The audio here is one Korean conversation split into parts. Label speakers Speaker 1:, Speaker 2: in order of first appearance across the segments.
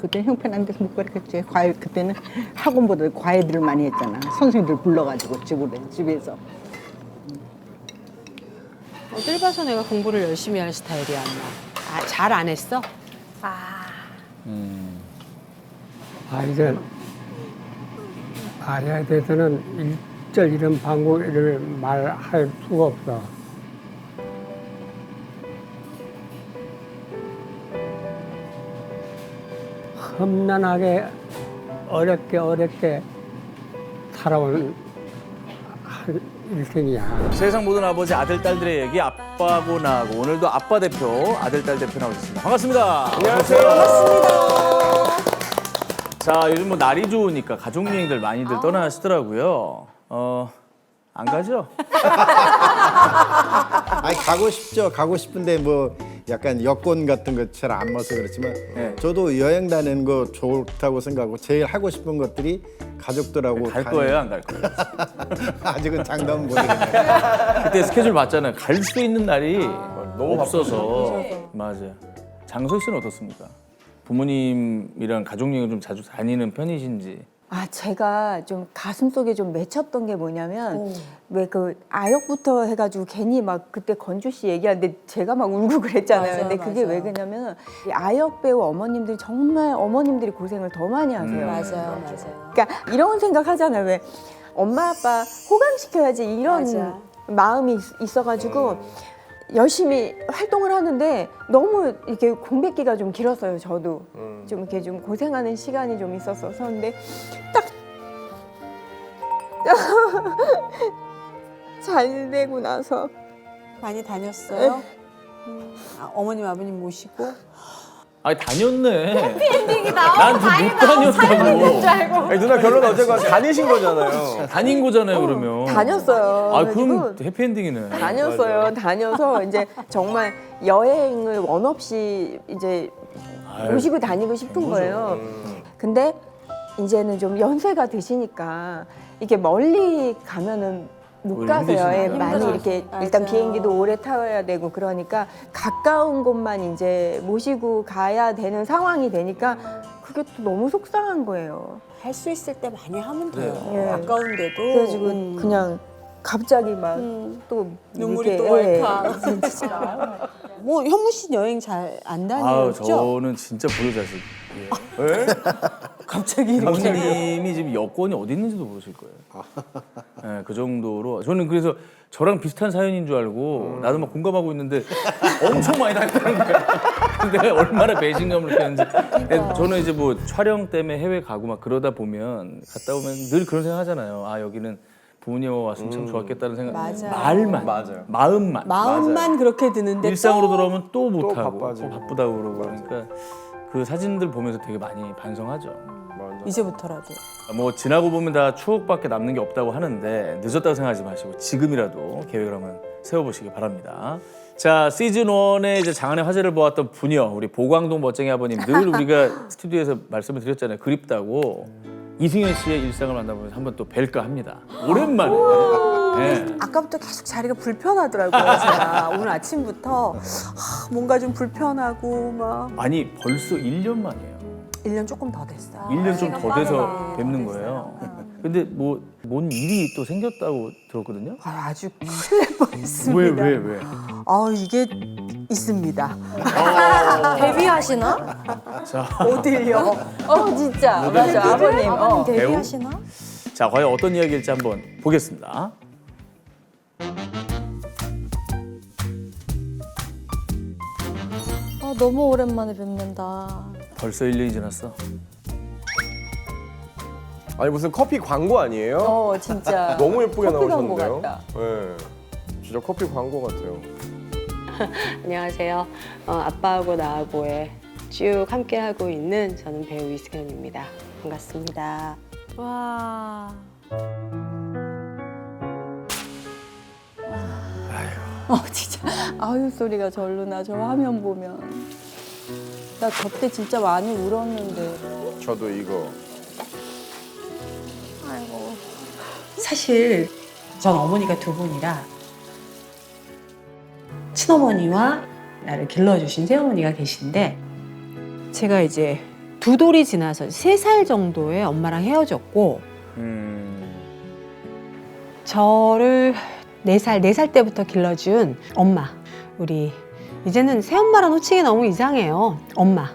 Speaker 1: 그때 형편안 돼서 못 가르쳤지. 과외 그때는 학원보다 과외들을 많이 했잖아. 선생님들 불러가지고 집에서.
Speaker 2: 어딜 봐서 내가 공부를 열심히 하는 스타일이야, 엄마. 아, 잘 안 했어?
Speaker 3: 아이들 말해야 돼서는 일절 이런 방법을 말할 수가 없어. 험난하게 어렵게 살아온 일생이야.
Speaker 4: 세상 모든 아버지 아들 딸들의 얘기 아빠고 나하고 오늘도 아빠 대표 아들 딸 대표 나오셨습니다. 반갑습니다. 안녕하세요. 반갑습니다. 자 요즘 뭐 날이 좋으니까 가족 여행들 많이들 떠나시더라고요. 안 가죠?
Speaker 5: 아니 가고 싶죠. 가고 싶은데 뭐 약간 여권 같은 거 잘 안 맞서 그렇지만
Speaker 4: 네.
Speaker 5: 저도 여행 다니는 거 좋다고 생각하고 제일 하고 싶은 것들이 가족들하고
Speaker 4: 갈 거예요, 안 갈 거예요?
Speaker 5: 아직은 장담은 못하겠네요.
Speaker 4: 그때 스케줄 맞잖아요. 갈 수 있는 날이 너무 없어서. 맞아요. 장소희 씨는 어떻습니까? 부모님이랑 가족 여행을 좀 자주 다니는 편이신지.
Speaker 6: 아, 제가 좀 가슴속에 좀 맺혔던 게 뭐냐면 왜 그 아역부터 해가지고 괜히 막 그때 건주 씨 얘기하는데 제가 막 울고 그랬잖아요.
Speaker 2: 맞아요,
Speaker 6: 근데 그게 왜 그러냐면 이 아역 배우 어머님들이 정말 어머님들이 고생을 더 많이 하세요.
Speaker 2: 맞아요.
Speaker 6: 그러니까 이런 생각 하잖아요. 왜 엄마 아빠 호강시켜야지 이런
Speaker 2: 맞아.
Speaker 6: 마음이 있어가지고 열심히 활동을 하는데 너무 이렇게 공백기가 좀 길었어요. 저도 좀 이렇게 좀 고생하는 시간이 좀 있었어서 근데 딱 잘 되고 나서
Speaker 2: 많이 다녔어요? 어머님, 아버님 모시고?
Speaker 4: 아니 다녔네. 해피엔딩이다. 난못 다녔다고.
Speaker 7: 아니, 누나 결론 어쨌건 다니신 거잖아요.
Speaker 4: 다닌 거잖아요, 그러면.
Speaker 6: 다녔어요.
Speaker 4: 아, 그럼
Speaker 6: 그래가지고
Speaker 4: 해피엔딩이네.
Speaker 6: 다녔어요. 다녀서 이제 정말 여행을 원 없이 이제
Speaker 4: 아유,
Speaker 6: 모시고 다니고 싶은 거예요. 근데 이제는 좀 연세가 드시니까 이렇게 멀리 가면은 못
Speaker 4: 오히려
Speaker 6: 가세요. 예,
Speaker 4: 힘드시나요?
Speaker 6: 많이 이렇게 일단 비행기도 오래 타야 되고 그러니까 가까운 곳만 이제 모시고 가야 되는 상황이 되니까 그게 또 너무 속상한 거예요.
Speaker 2: 할 수 있을 때 많이 하면 돼요.
Speaker 6: 예.
Speaker 2: 아까운데도.
Speaker 6: 그래가지고 그냥 갑자기 막 또
Speaker 2: 눈물이 또 왈칵. 뭐 현무 씨 여행 잘 안
Speaker 4: 아우,
Speaker 2: 다녔죠?
Speaker 4: 저는 진짜 불효자식.
Speaker 7: 왜?
Speaker 2: 갑자기
Speaker 4: 부모님이 지금 여권이 어디 있는지도 모르실 거예요. 네, 그 정도로. 저는 그래서 저랑 비슷한 사연인 줄 알고 나도 막 공감하고 있는데 엄청 많이 다녔다는 거야. 근데 얼마나 배신감을 느꼈는지. 저는 이제 뭐 촬영 때문에 해외 가고 막 그러다 보면 갔다 오면 늘 그런 생각 하잖아요. 아, 여기는 부모님하고 왔으면 참 좋았겠다는 생각.
Speaker 2: 맞아요.
Speaker 4: 말만.
Speaker 7: 맞아요.
Speaker 4: 마음만.
Speaker 2: 마음만 그렇게 드는데
Speaker 4: 일상으로
Speaker 2: 또
Speaker 4: 돌아오면 또 못하고
Speaker 7: 바빠지고.
Speaker 4: 또 바쁘다고 그러고 그러니까 그 사진들 보면서 되게 많이 반성하죠.
Speaker 7: 맞아.
Speaker 2: 이제부터라도.
Speaker 4: 뭐 지나고 보면 다 추억밖에 남는 게 없다고 하는데 늦었다고 생각하지 마시고 지금이라도 계획을 한번 세워보시기 바랍니다. 자, 시즌 1의 이제 장안의 화제를 보았던 부녀 우리 보광동 멋쟁이 아버님 늘 우리가 스튜디오에서 말씀을 드렸잖아요. 그립다고 이승현 씨의 일상을 만나보면서 한번 또 뵐까 합니다. 오랜만에. 네.
Speaker 2: 아까부터 계속 자리가 불편하더라고요. 제가 오늘 아침부터 뭔가 좀 불편하고 막
Speaker 4: 아니 벌써 1년 만이에요.
Speaker 2: 1년 조금 더 됐어요.
Speaker 4: 1년 좀 더 돼서 뵙는 거예요. 근데 뭐 뭔 일이 또 생겼다고 들었거든요.
Speaker 2: 아주 큰일 날 뻔했습니다.
Speaker 4: 왜?
Speaker 2: 이게 있습니다.
Speaker 8: 데뷔하시나?
Speaker 2: 어딜요?
Speaker 6: 진짜 맞아 아버님.
Speaker 8: 데뷔하시나?
Speaker 4: 자, 과연 어떤 이야기일지 한번 보겠습니다.
Speaker 8: 아, 너무 오랜만에 뵙는다.
Speaker 4: 벌써 1년이 지났어.
Speaker 7: 아니 무슨 커피 광고 아니에요?
Speaker 6: 진짜
Speaker 7: 너무 예쁘게
Speaker 6: 커피 광고
Speaker 7: 나오셨는데요?
Speaker 6: 같다.
Speaker 7: 네. 진짜 커피 광고 같아요.
Speaker 9: 안녕하세요. 아빠하고 나하고에 쭉 함께하고 있는 저는 배우 이승현입니다. 반갑습니다.
Speaker 8: 와.
Speaker 6: 진짜 아유 소리가 절로 나 저 화면 보면 나 저 때 진짜 많이 울었는데
Speaker 7: 저도 이거.
Speaker 9: 사실 전 어머니가 두 분이라 친어머니와 나를 길러주신 새어머니가 계신데 제가 이제
Speaker 2: 두 돌이 지나서 3살 정도에 엄마랑 헤어졌고 저를 4살 때부터 길러준 엄마. 우리 이제는 새엄마랑 호칭이 너무 이상해요. 엄마.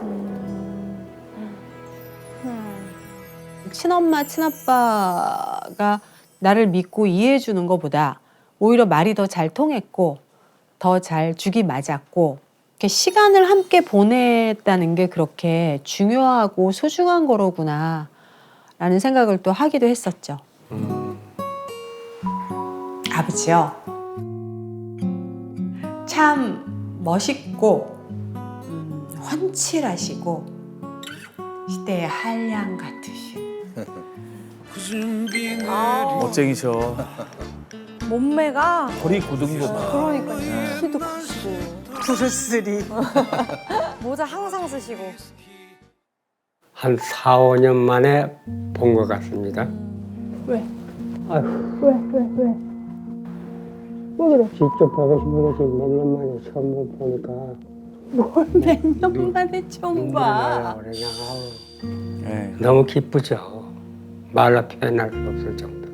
Speaker 2: 친엄마, 친아빠가 나를 믿고 이해해 주는 것보다 오히려 말이 더 잘 통했고 더 잘 죽이 맞았고 이렇게 시간을 함께 보냈다는 게 그렇게 중요하고 소중한 거로구나 라는 생각을 또 하기도 했었죠. 아버지요. 참 멋있고 훤칠하시고 시대의 한량 같으신
Speaker 4: 멋쟁이셔.
Speaker 8: 몸매가
Speaker 4: 허리 고등도 막.
Speaker 8: 그러니까요. 키도 크시고
Speaker 2: 브루스리.
Speaker 8: 모자 항상 쓰시고.
Speaker 3: 한 4, 5년 만에 본 것 같습니다.
Speaker 8: 왜?
Speaker 3: 아휴. 왜 그래? 직접 보고 싶어서 지금 몇 년 만에 처음 보니까
Speaker 2: 몇 년 만에 처음 봐.
Speaker 3: 그냥
Speaker 4: 네.
Speaker 3: 너무 기쁘죠. 말로 표현할 수 없을 정도.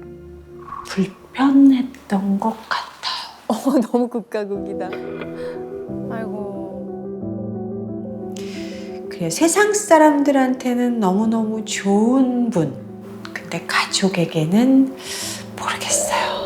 Speaker 2: 불편했던 것 같아요.
Speaker 8: 너무 극과 극이다. 아이고.
Speaker 2: 그래, 세상 사람들한테는 너무너무 좋은 분. 근데 가족에게는 모르겠어요.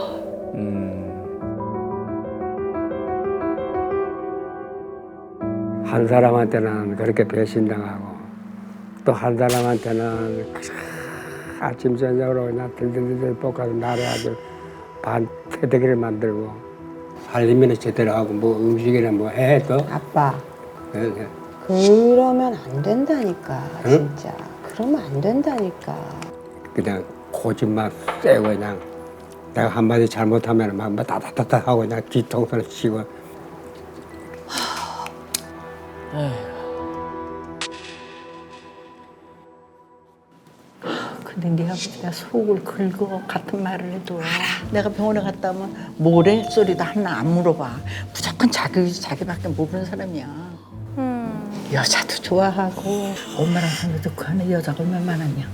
Speaker 3: 한 사람한테는 그렇게 배신당하고 또 한 사람한테는 아침 저녁으로 그냥 들들들 볶아서 나를 아주 반태대기를 만들고 살림이나 제대로 하고 뭐 음식이나 뭐 해도
Speaker 10: 아빠
Speaker 3: 네.
Speaker 10: 그러면 안 된다니까
Speaker 3: 응?
Speaker 10: 진짜 그러면 안 된다니까.
Speaker 3: 그냥 고집만 세고 그냥 내가 한마디 잘못하면 막 따다다다 하고 그냥 뒤통수를 치고.
Speaker 1: 근데 네 아버지가 속을 긁어 같은 말을 해도 내가 병원에 갔다 오면 뭐래 소리도 하나 안 물어봐. 무조건 자기밖에 모르는 사람이야. 여자도 좋아하고 엄마랑 상대도 그 안에 여자가 얼마나 많았냐.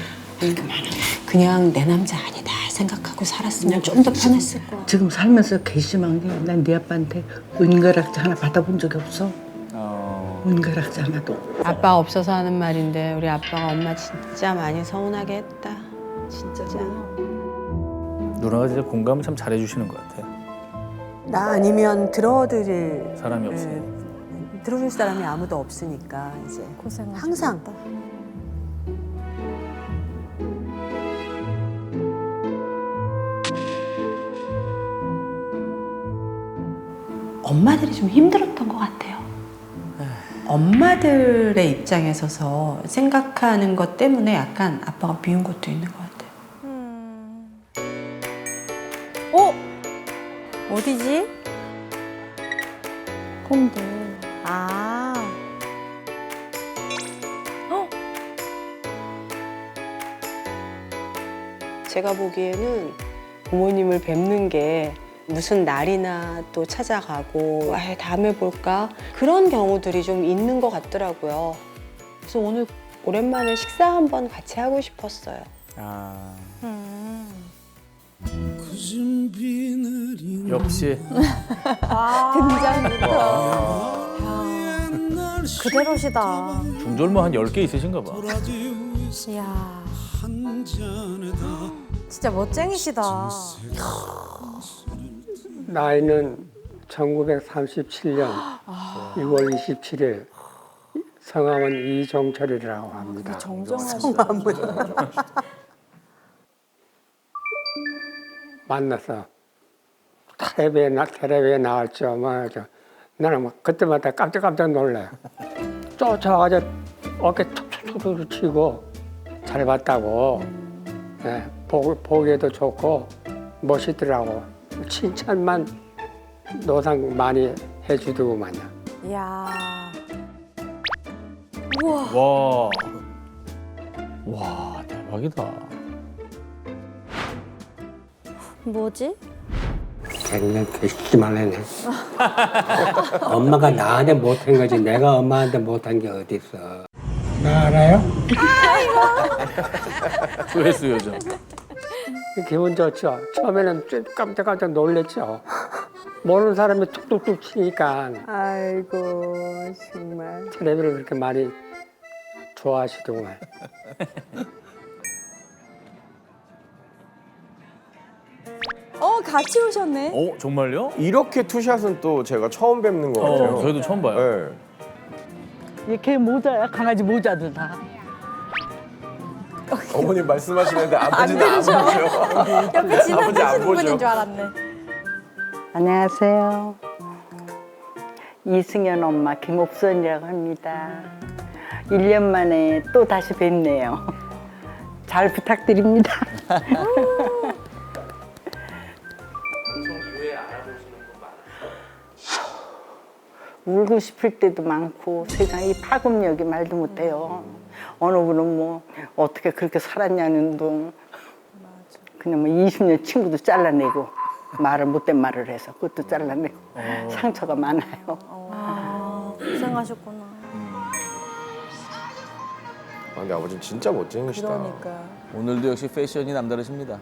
Speaker 2: 그냥 내 남자 아니다 생각하고 살았으면 좀 더 편했을 거야.
Speaker 1: 지금 살면서 괘씸한 게 난 네 아빠한테 은가락자 하나 받아본 적이 없어. 은가락자 하나도.
Speaker 2: 아빠 없어서 하는 말인데 우리 아빠가 엄마 진짜 많이 서운하게 했다. 진짜.
Speaker 4: 누나가 진짜 공감을 참 잘해주시는 것 같아.
Speaker 2: 나 아니면 들어드릴
Speaker 4: 사람이 없으니.
Speaker 2: 들어줄 사람이 아무도 없으니까 이제
Speaker 8: 고생하셨다.
Speaker 2: 항상 엄마들이 좀 힘들었던 것 같아요. 엄마들의 입장에 서서 생각하는 것 때문에 약간 아빠가 미운 것도 있는 것 같아요.
Speaker 8: 어디지? 홍대. 아.
Speaker 9: 제가 보기에는 부모님을 뵙는 게 무슨 날이나 또 찾아가고 다음에 볼까 그런 경우들이 좀 있는 것 같더라고요. 그래서 오늘 오랜만에 식사 한번 같이 하고 싶었어요.
Speaker 4: 아. 역시.
Speaker 8: 등장부터. 그대로시다.
Speaker 4: 중절모 한 10개 있으신가 봐.
Speaker 8: 이야. 진짜 멋쟁이시다.
Speaker 3: 나이는 1937년 6월 27일 성함은 이종철이라고 합니다.
Speaker 8: 정정하시다.
Speaker 3: 만나서 텔레비에 나왔죠. 나는 막 그때마다 깜짝 놀래. 쫓아가서 어깨 툭툭툭 치고 잘 봤다고. 네, 보기에도 좋고 멋있더라고. 칭찬만 노상 많이 해주더구만요.
Speaker 8: 이야.
Speaker 4: 와. 와, 대박이다.
Speaker 8: 뭐지?
Speaker 3: 걔는 되시기만 해네. 엄마가 나한테 못한 거지 내가 엄마한테 못한 게 어디 있어. 나 알아요?
Speaker 4: 조회수 요정.
Speaker 3: 기분 좋죠. 처음에는 좀 깜짝깜짝 놀랬죠. 모르는 사람이 툭툭툭 치니까
Speaker 6: 아이고 정말.
Speaker 3: 텔레비를 그렇게 많이 좋아하시더구만.
Speaker 6: 같이 오셨네.
Speaker 4: 정말요?
Speaker 7: 이렇게 투샷은 또 제가 처음 뵙는 것 같아요.
Speaker 4: 저희도 처음 봐요.
Speaker 7: 네.
Speaker 1: 이게 모자야. 강아지 모자도 다.
Speaker 7: 어머님 말씀하시는데 아버지는 안 보죠.
Speaker 8: 옆에
Speaker 7: 아버지 안
Speaker 8: 지나가시는
Speaker 7: 보죠.
Speaker 8: 분인 줄 알았네.
Speaker 1: 안녕하세요. 이승연 엄마 김옥선이라고 합니다. 1년 만에 또 다시 뵙네요. 잘 부탁드립니다. 울고 싶을 때도 많고 세상이 파급력이 말도 못해요. 어느 분은 뭐 어떻게 그렇게 살았냐는 둥 그냥 뭐 20년 친구도 잘라내고 말을 못된 말을 해서 그것도 잘라내고 상처가 많아요.
Speaker 8: 아, 고생하셨구나.
Speaker 7: 아, 근데 아버지는 진짜 멋쟁이시다.
Speaker 6: 그러니까.
Speaker 4: 오늘도 역시 패션이 남다르십니다.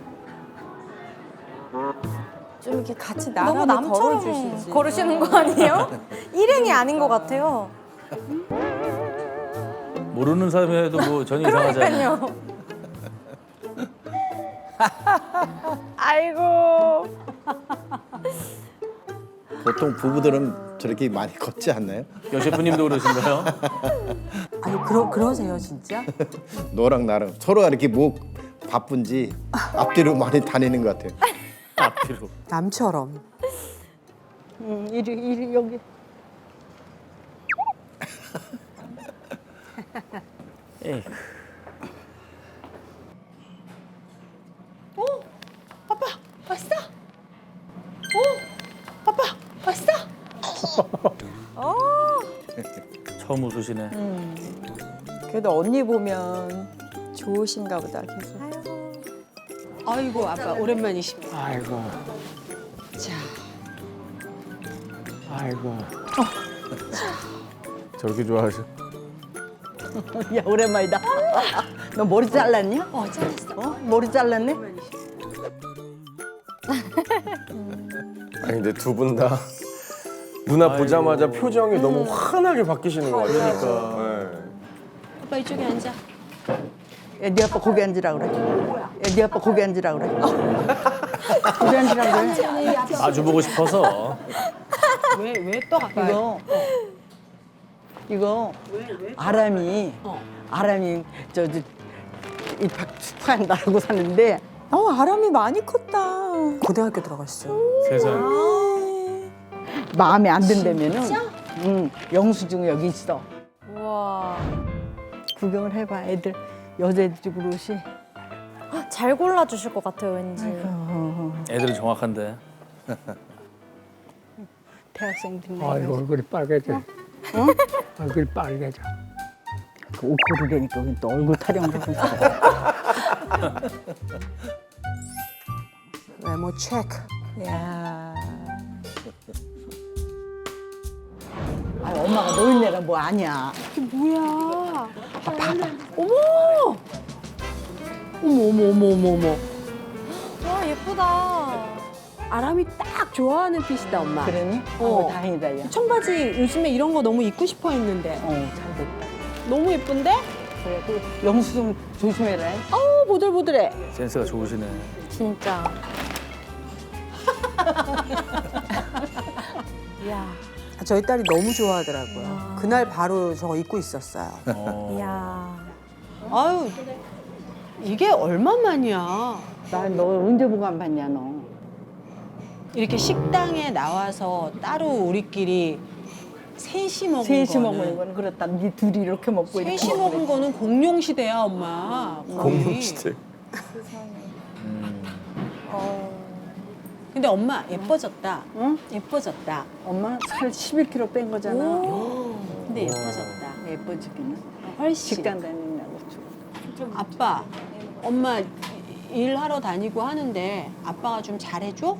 Speaker 6: 좀 이렇게 같이
Speaker 8: 너무
Speaker 6: 나란히
Speaker 8: 남처럼
Speaker 6: 걸어주시지.
Speaker 8: 걸으시는 거 아니에요? 일행이 아닌 것 같아요.
Speaker 4: 모르는 사람이라도 뭐 전혀 이상하지 않아요.
Speaker 8: 그러니까요.
Speaker 6: 아이고.
Speaker 5: 보통 부부들은 저렇게 많이 걷지 않나요?
Speaker 4: 여 셰프님도 그러신가요?
Speaker 2: 아니 그러세요 진짜?
Speaker 5: 너랑 나랑 서로가 이렇게 뭐 바쁜지 앞뒤로 많이 다니는 것 같아요.
Speaker 4: 앞뒤로.
Speaker 2: 남처럼.
Speaker 1: 이리 여기.
Speaker 4: 에이.
Speaker 1: 왔어? 아빠 왔어?
Speaker 4: 처음 웃으시네.
Speaker 6: 그래도 언니 보면 좋으신가 보다 계속.
Speaker 2: 아이고 아빠 오랜만이십니다.
Speaker 3: 아이고,
Speaker 2: 자,
Speaker 3: 아이고.
Speaker 4: 저렇게 좋아하셔.
Speaker 1: 야 오랜만이다. 너 머리 잘랐냐?
Speaker 2: 잘했어.
Speaker 1: 머리 잘랐네?
Speaker 7: 아니 근데 두 분 다 누나 보자마자 표정이 너무 환하게 바뀌시는 것 같아요. 그러니까.
Speaker 2: 아빠 이쪽에 앉아.
Speaker 1: 야, 네 아빠 거기 앉으라 그래. 야, 네 아빠 거기 앉으라 그래. 거기 앉으라 그래.
Speaker 4: 아주 보고 싶어서.
Speaker 2: 왜 또 가까이?
Speaker 1: 이거 아람이 저기 입학 축하한다고 사는데
Speaker 6: 아람이 많이 컸다.
Speaker 2: 고등학교 들어갔어.
Speaker 4: 세상.
Speaker 1: 마음에 안 든다면은 영수증 여기 있어.
Speaker 8: 우와.
Speaker 1: 구경을 해봐. 애들 여자애들 그릇이.
Speaker 8: 잘 골라주실 것 같아요, 왠지.
Speaker 4: 애들은 정확한데.
Speaker 1: 대학생들.
Speaker 3: 아이고, 얼굴이 빨개져. 얼굴이 빨개져.
Speaker 1: 그 옷 고르려니까 또 얼굴 타령하고 있어.
Speaker 2: 외모 체크.
Speaker 1: 야. 아, 엄마가 노인네가 뭐 아니야.
Speaker 2: 이게 뭐야? 어머! 어머.
Speaker 8: 와, 예쁘다.
Speaker 2: 아람이 딱 좋아하는 핏이다 엄마.
Speaker 1: 그러니?
Speaker 2: 어.
Speaker 1: 다행이다, 야.
Speaker 2: 청바지 요즘에 이런 거 너무 입고 싶어 했는데
Speaker 1: 잘 됐다.
Speaker 2: 너무 예쁜데?
Speaker 1: 그래, 그 영수증 조심해라.
Speaker 2: 보들보들해.
Speaker 4: 센스가 좋으시네.
Speaker 8: 진짜. 이야.
Speaker 2: 저희 딸이 너무 좋아하더라고요. 그날 바로 저거 입고 있었어요.
Speaker 8: 이야.
Speaker 2: 아유, 이게 얼마만이야.
Speaker 1: 너 언제 보고 안 봤냐, 너.
Speaker 2: 이렇게 식당에 나와서 따로 우리끼리 셋이 먹은
Speaker 1: 셋이
Speaker 2: 거는
Speaker 1: 먹는 건 그렇다. 니 둘이 이렇게 먹고 이렇게
Speaker 2: 셋이
Speaker 1: 먹고
Speaker 2: 먹은 거는 공룡 시대야, 엄마. 거의.
Speaker 7: 공룡 시대.
Speaker 2: 근데 엄마 예뻐졌다.
Speaker 1: 응?
Speaker 2: 예뻐졌다.
Speaker 1: 엄마 살 11kg 뺀 거잖아.
Speaker 2: 근데 예뻐졌다.
Speaker 1: 예뻐지기는.
Speaker 2: 훨씬.
Speaker 1: 직장 다닌다고 좀.
Speaker 2: 아빠, 엄마 일하러 다니고 하는데 아빠가 좀 잘해줘?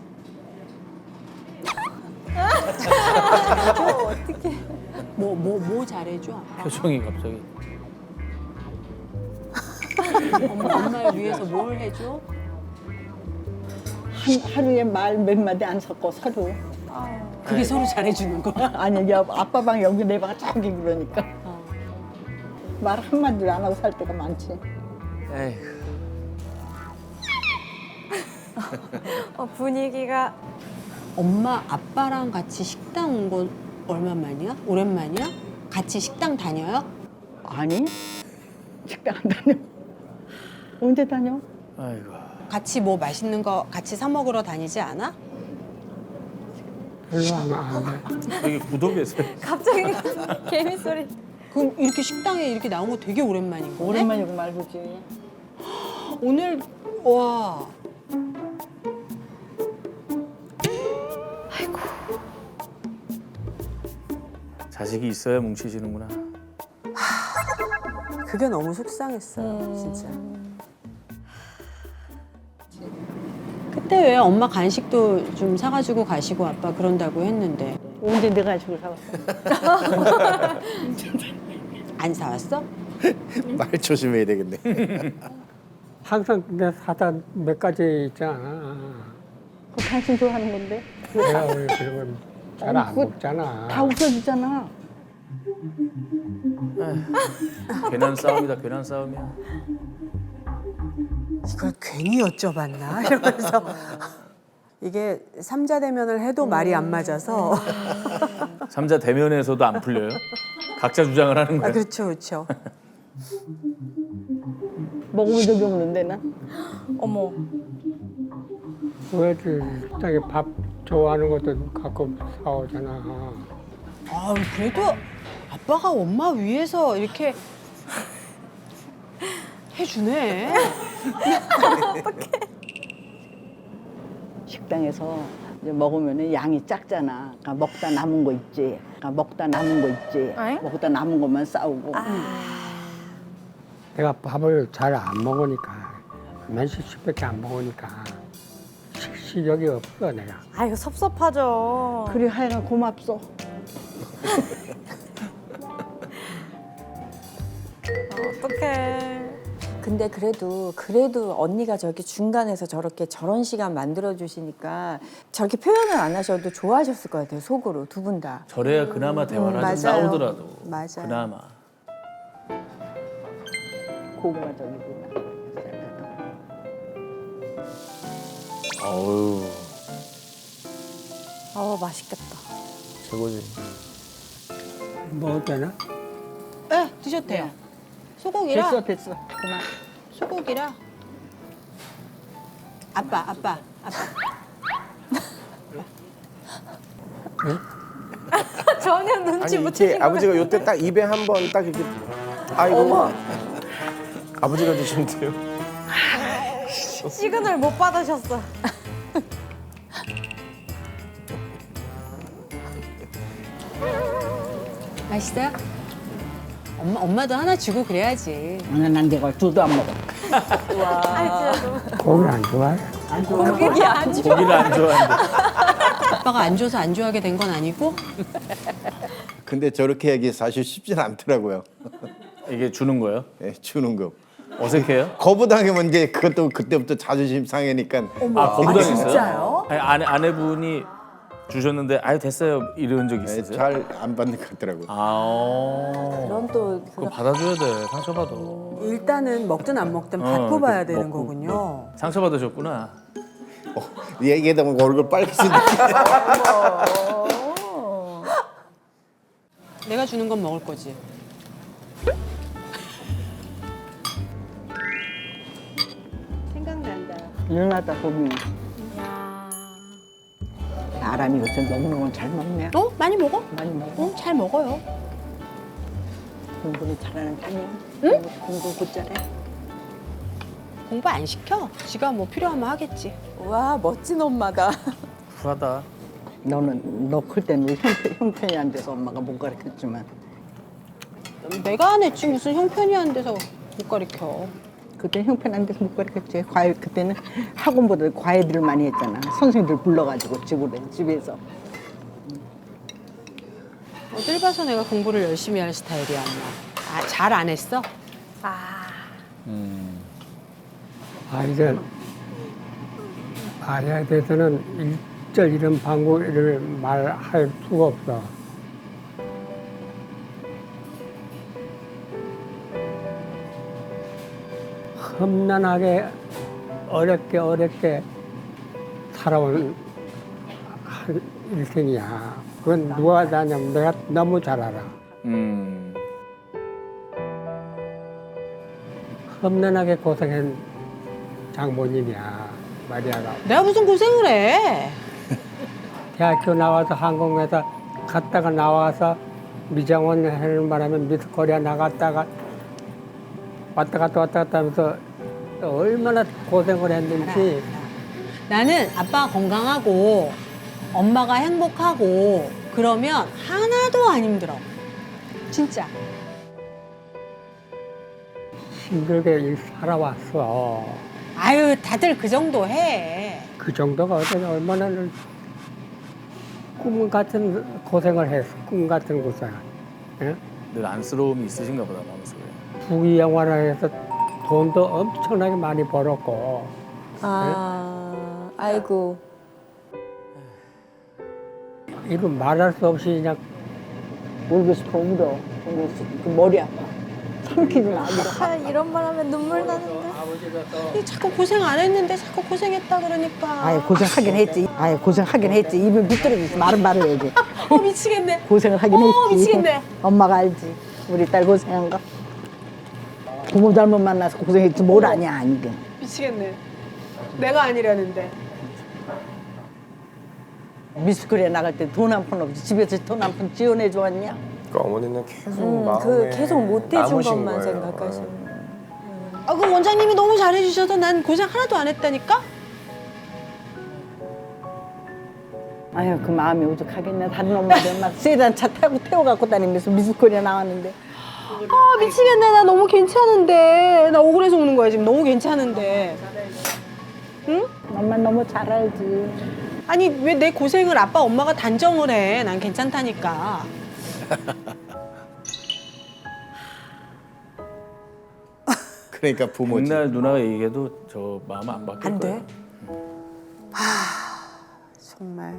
Speaker 6: 어떻게?
Speaker 2: 뭐 잘해줘, 아빠?
Speaker 4: 표정이 갑자기.
Speaker 2: 엄마를 위해서 뭘 해줘?
Speaker 1: 하루에 말 몇 마디 안 섞어 서로.
Speaker 2: 그게 서로 잘해주는 거야?
Speaker 1: 아니 아빠 방 여기 내 방 저기 그러니까 말 한마디도 안 하고 살 때가 많지.
Speaker 4: 에휴.
Speaker 8: 분위기가
Speaker 2: 엄마 아빠랑 같이 식당 온 건 얼마만이야? 오랜만이야? 같이 식당 다녀요?
Speaker 1: 아니 식당 안 다녀. 언제 다녀?
Speaker 4: 아이고.
Speaker 2: 같이 뭐 맛있는 거 같이 사 먹으러 다니지 않아?
Speaker 3: 별로 안 돼.
Speaker 4: 되게 구독했어요.
Speaker 8: 갑자기 개미 소리.
Speaker 2: 그럼 이렇게 식당에 이렇게 나온 거 되게 오랜만인 거네?
Speaker 1: 오랜만이고 말고지.
Speaker 2: 오늘 와
Speaker 4: 자식이 있어야 뭉치시는구나.
Speaker 9: 그게 너무 속상했어요, 진짜.
Speaker 2: 그때 왜 엄마 간식도 좀 사가지고 가시고 아빠 그런다고 했는데
Speaker 1: 언제 내가 간식을 사왔어?
Speaker 2: 안 사왔어?
Speaker 5: 말 조심해야 되겠네.
Speaker 3: 항상 내가 사다 몇 가지 있잖아.
Speaker 1: 그 당신 좋아하는 건데
Speaker 3: 내가 우리 그리고 잘 안
Speaker 1: 그거
Speaker 3: 먹잖아.
Speaker 1: 다 웃어주잖아.
Speaker 4: 괜한 싸움이다. 괜한 싸움이야.
Speaker 9: 이걸 괜히 여쭤봤나? 이러면서. 이게 삼자 대면을 해도 말이 안 맞아서.
Speaker 4: 삼자 대면에서도 안 풀려요? 각자 주장을 하는
Speaker 9: 아,
Speaker 4: 거예요?
Speaker 9: 그렇죠, 그렇죠.
Speaker 1: 먹어본 적이 없는데 나.
Speaker 8: 어머.
Speaker 3: 왜 식당에 밥 좋아하는 것도 갖고 사오잖아.
Speaker 2: 아 그래도 아빠가 엄마 위해서 이렇게 해주네.
Speaker 1: 식당에서 이제 먹으면 양이 작잖아. 그러니까 먹다 남은 거 있지. 그러니까 먹다 남은 거 있지.
Speaker 8: 에?
Speaker 1: 먹다 남은 것만 싸우고.
Speaker 3: 내가 밥을 잘 안 먹으니까 맨식식밖에 안 먹으니까 식욕이 없어 내가.
Speaker 8: 아 이거 섭섭하죠.
Speaker 1: 그래 하여간 고맙소.
Speaker 8: 어떡해.
Speaker 6: 근데 그래도 언니가 저렇게 중간에서 저런 시간 만들어 주시니까 저렇게 표현을 안 하셔도 좋아하셨을 것 같아요. 속으로 두 분 다.
Speaker 4: 저래야 그나마 대화를 하지
Speaker 9: 맞아요.
Speaker 4: 싸우더라도.
Speaker 9: 맞아요.
Speaker 4: 그나마.
Speaker 1: 고구마 저기구나.
Speaker 4: 어우,
Speaker 8: 맛있겠다.
Speaker 4: 최고지.
Speaker 3: 먹어도 되나?
Speaker 2: 네 드셔도 돼요. 소고기라.
Speaker 1: 됐어. 그만.
Speaker 2: 소고기라. 아빠.
Speaker 8: 전혀 눈치
Speaker 7: 아니
Speaker 8: 못
Speaker 7: 이렇게
Speaker 8: 채신 것
Speaker 7: 아버지가 요때 딱 입에 한 번 딱 이렇게 아이고 아버지가 드시는데요.
Speaker 8: 시그널 못 받으셨어.
Speaker 2: 맛있어요? 엄마도 하나 주고 그래야지.
Speaker 1: 난 내가 둘도 안 먹어.
Speaker 8: 아 진짜
Speaker 3: 고기 안 좋아해?
Speaker 8: 고기 안 줘.
Speaker 4: 고기를 안 좋아하는데.
Speaker 2: 아빠가 안 줘서 안 좋아하게 된 건 아니고?
Speaker 5: 근데 저렇게 하기 사실 쉽진 않더라고요.
Speaker 4: 이게 주는 거예요?
Speaker 5: 예, 주는 거.
Speaker 4: 어색해요?
Speaker 5: 거부당하면 이제 그것도 그때부터 자존심 상해니까
Speaker 4: 아, 거부당했어요?
Speaker 6: 진짜요?
Speaker 4: 아니, 아내분이 주셨는데 아유 됐어요 이런 적 있으세요?
Speaker 5: 잘 안 받는 것 같더라고요.
Speaker 6: 그럼 또
Speaker 4: 그거 받아줘야 돼. 상처받아.
Speaker 9: 일단은 먹든 안 먹든 받고 봐야 되는 거군요.
Speaker 4: 상처받으셨구나.
Speaker 5: 얘기하다 보면 얼굴 빨개진다.
Speaker 2: 내가 주는 건 먹을 거지. 생각난다.
Speaker 1: 일어나다 보면
Speaker 8: 야.
Speaker 1: 사람이 요새 먹는 건 잘 먹네.
Speaker 2: 어? 많이 먹어?
Speaker 1: 많이 먹어.
Speaker 2: 응, 잘 먹어요.
Speaker 1: 공부는 잘하는 편이야. 응? 공부 못 잘해.
Speaker 2: 공부 안 시켜. 지가 뭐 필요하면 하겠지.
Speaker 6: 와 멋진 엄마다.
Speaker 4: 쿨하다.
Speaker 1: 너 클 때는 형편이 안 돼서 엄마가 못 가르쳤지만
Speaker 2: 내가 안 했지 무슨 형편이 안 돼서 못 가르쳐.
Speaker 1: 그때 형편 안 돼서 못 가르쳤지. 그때는 학원보다 과외들을 많이 했잖아. 선생님들 불러가지고 집에서.
Speaker 2: 어딜 봐서 내가 공부를 열심히 할 스타일이야, 엄마. 아, 잘 안 했어?
Speaker 8: 아.
Speaker 3: 이제 말에 대해서는 일절 이런 방구를 말할 수가 없어. 험난하게 어렵게 살아온 한 일생이야. 그건 누가 아냐면 내가 너무 잘 알아. 험난하게 고생한 장모님이야, 마리아가.
Speaker 2: 내가 무슨 고생을 해?
Speaker 3: 대학교 나와서 항공회사 갔다가 나와서 미장원 하는 바람에 미스코리아 나갔다가 왔다 갔다 하면서 얼마나 고생을 했는지.
Speaker 2: 나는 아빠가 건강하고 엄마가 행복하고 그러면 하나도 안 힘들어. 진짜.
Speaker 3: 힘들게 일 살아왔어.
Speaker 2: 아유, 다들 그 정도 해.
Speaker 3: 그 정도가 어떻게 얼마나 꿈 같은 고생을 했어. 꿈 같은 고생. 예?
Speaker 4: 늘 안쓰러움이 있으신가 보다 마음속에.
Speaker 3: 부귀영화를 해서 돈도 엄청나게 많이 벌었고.
Speaker 6: 아이고.
Speaker 3: 이거 말할 수 없이 그냥
Speaker 1: 울고 싶어 울어. 그 머리 아파. 삼키지 마.
Speaker 8: 이런 말 하면 눈물 나는데.
Speaker 2: 자꾸 고생 안 했는데 자꾸 고생했다 그러니까.
Speaker 1: 아예 고생하긴 했지. 고생하긴 했지. 입을 비뚤어지지 말을 해야지.
Speaker 2: 미치겠네.
Speaker 1: 고생을 하긴 했지.
Speaker 2: 미치겠네.
Speaker 1: 엄마가 알지. 우리 딸 고생한 거. 부모 잘못 만나서 고생했지 뭘 아냐 이게.
Speaker 2: 미치겠네. 내가 아니라는데.
Speaker 1: 미스코리아 나갈 때 돈 한 푼 없이 집에서 돈 한 푼 지원해 주었냐?
Speaker 7: 그러니까 어머니는 계속 마음에
Speaker 6: 계속 못 해준
Speaker 7: 남으신
Speaker 6: 것만
Speaker 7: 거예요.
Speaker 6: 생각하시는.
Speaker 2: 그 원장님이 너무 잘해주셔서 난 고생 하나도 안 했다니까?
Speaker 1: 아유 그 마음이 오죽하겠네. 다른 엄마들 막 세단 차 타고 태워갖고 다니면서 미스코리아 나왔는데.
Speaker 2: 미치겠네. 나 너무 괜찮은데. 나 억울해서 우는 거야 지금. 너무 괜찮은데.
Speaker 1: 엄마 너무 잘 알지.
Speaker 2: 아니 왜 내 고생을 아빠 엄마가 단정을 해. 난 괜찮다니까.
Speaker 5: 그러니까 부모지.
Speaker 4: 옛날 누나가 얘기해도 저 마음 안 바뀔
Speaker 9: 안
Speaker 4: 거예요.
Speaker 9: 돼? 정말.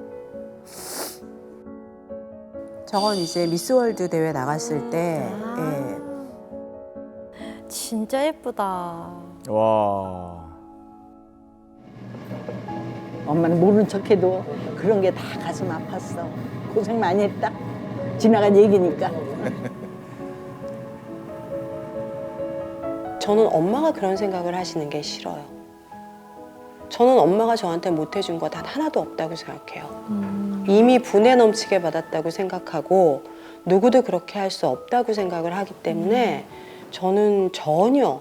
Speaker 9: 저건 이제 미스월드 대회 나갔을 때 예.
Speaker 8: 진짜 예쁘다.
Speaker 4: 와.
Speaker 1: 엄마는 모른 척해도 그런 게 다 가슴 아팠어. 고생 많이 했다. 지나간 얘기니까.
Speaker 9: 저는 엄마가 그런 생각을 하시는 게 싫어요. 저는 엄마가 저한테 못 해준 거 단 하나도 없다고 생각해요. 이미 분에 넘치게 받았다고 생각하고 누구도 그렇게 할 수 없다고 생각을 하기 때문에 저는 전혀.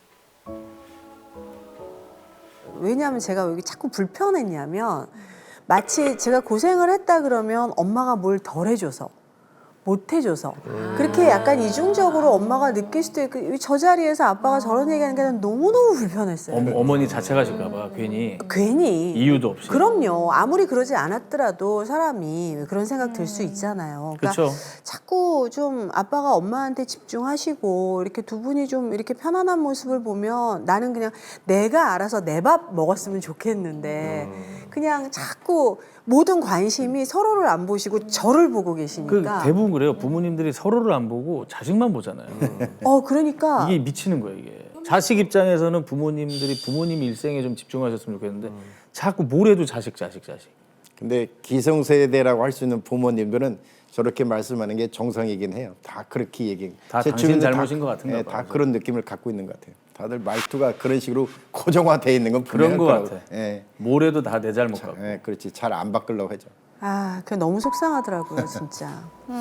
Speaker 9: 왜냐하면 제가 왜 자꾸 불편했냐면 마치 제가 고생을 했다 그러면 엄마가 뭘 덜 해줘서 못 해줘서 그렇게 약간 이중적으로 엄마가 느낄 수도 있고 저 자리에서 아빠가 저런 얘기하는 게 난 너무너무 불편했어요.
Speaker 4: 어머니 자체가 실까봐 괜히 이유도 없이.
Speaker 9: 그럼요. 아무리 그러지 않았더라도 사람이 그런 생각 들 수 있잖아요. 그러니까
Speaker 4: 그렇죠.
Speaker 9: 자꾸 좀 아빠가 엄마한테 집중하시고 이렇게 두 분이 좀 이렇게 편안한 모습을 보면 나는 그냥 내가 알아서 내 밥 먹었으면 좋겠는데 그냥 자꾸 모든 관심이 서로를 안 보시고 저를 보고
Speaker 4: 그
Speaker 9: 계시니까.
Speaker 4: 대부분 그래요. 부모님들이 서로를 안 보고 자식만 보잖아요.
Speaker 9: 그러니까.
Speaker 4: 이게 미치는 거예요, 이게. 자식 입장에서는 부모님들이 부모님 일생에 좀 집중하셨으면 좋겠는데 자꾸 뭘 해도 자식.
Speaker 5: 근데 기성세대라고 할 수 있는 부모님들은 저렇게 말씀하는 게 정상이긴 해요. 다 그렇게 얘기.
Speaker 4: 다
Speaker 5: 제
Speaker 4: 당신
Speaker 5: 주변에
Speaker 4: 잘못인 것 같은가 봐요.
Speaker 5: 다 그런 느낌을 갖고 있는 것 같아요. 다들 말투가 그런 식으로 고정화돼 있는 건
Speaker 4: 그런 것
Speaker 5: 분명하더라고요.
Speaker 4: 같아.
Speaker 5: 예,
Speaker 4: 뭘 해도 다 내 잘못 같고.
Speaker 5: 그렇지. 잘 안 바꾸려고 하죠.
Speaker 9: 그게 너무 속상하더라고요, 진짜.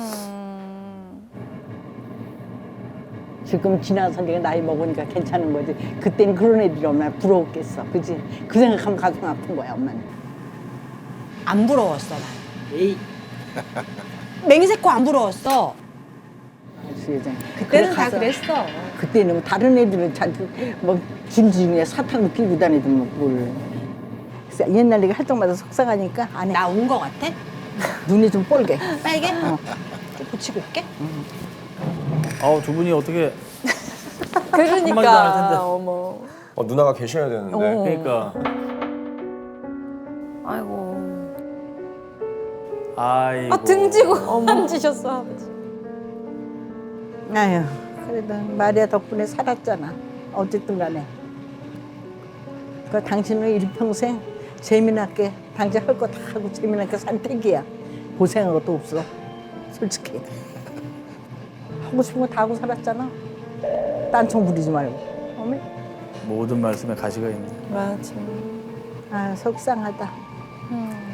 Speaker 1: 지금 지나서 내가 나이 먹으니까 괜찮은 거지. 그때는 그런 애들이 얼마나 부러웠겠어. 그지? 그 생각하면 가슴 아픈 거야, 엄마는.
Speaker 2: 안 부러웠어 난. 맹세코 안 부러웠어. 그때는 다 그랬어.
Speaker 1: 그때는 다른 애들은 뭐 짐지 중에 사탕도 끼고 다니더만 뭘. 그래서 옛날 내가 할 때마다 속상하니까 안 해.
Speaker 2: 나 온 거 같아?
Speaker 1: 눈이 좀 뻘게.
Speaker 2: 빨개? 고치고 올게.
Speaker 4: 두 분이 어떻게 한마디도 안 할 텐데.
Speaker 6: 그러니까 어머.
Speaker 7: 누나가 계셔야 되는데.
Speaker 4: 그러니까
Speaker 8: 아이고.
Speaker 4: 아이고.
Speaker 8: 아, 등지고 앉으셨어, 아버지.
Speaker 1: 아유, 그래도 마리아 덕분에 살았잖아. 어쨌든 간에. 그러니까 당신은 일평생 재미나게 당장 할 거 다 하고 재미나게 산 택이야. 고생한 것도 없어. 솔직히. 하고 싶은 거 다 하고 살았잖아. 딴청 부리지 말고. 어메?
Speaker 4: 모든 말씀에 가시가 있네.
Speaker 6: 맞아.
Speaker 1: 아, 속상하다.
Speaker 8: 음.